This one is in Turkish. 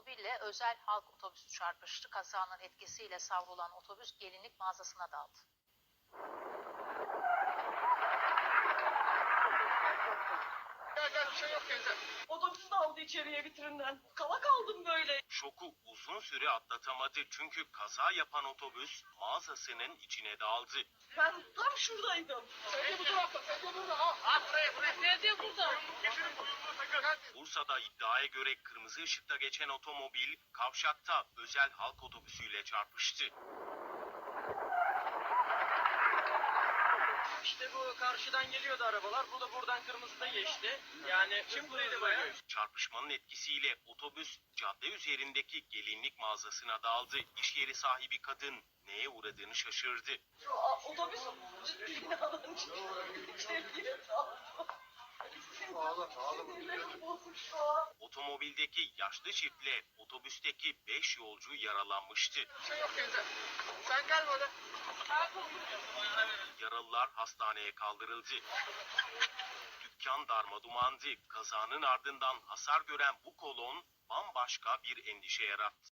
otomobille özel halk otobüsü çarpıştı. Kazanın etkisiyle savrulan otobüs gelinlik mağazasına daldı. Gel bir şey yok teyze. Otobüs de aldı içeriye vitrinden. Kala kaldım böyle. Şoku uzun süre atlatamadı çünkü kaza yapan otobüs mağazasının içine daldı. Ben tam şuradaydım. Sedye bu tarafta, sedye burada. Ha buraya. Sedye burada. Getirin buyurduğu sakın. Bursa'da iddiaya göre kırmızı ışıkta geçen otomobil kavşakta özel halk otobüsüyle çarpıştı. İşte bu karşıdan geliyordu arabalar. Bu da buradan kırmızıda geçti. Yani hızlıydı bayağı. Çarpışmanın etkisiyle otobüs cadde üzerindeki gelinlik mağazasına daldı. İş yeri sahibi kadın neye uğradığını şaşırdı. Otobüs binadan içeriye daldı. Sinirlerim bozuk şu an. Otomobildeki yaşlı çiftle otobüsteki 5 yolcu yaralanmıştı. Bir şey yok teyze. Sen gel böyle. Yaralılar hastaneye kaldırıldı. Dükkan darmadumandı. Kazanın ardından hasar gören bu kolon bambaşka bir endişe yarattı.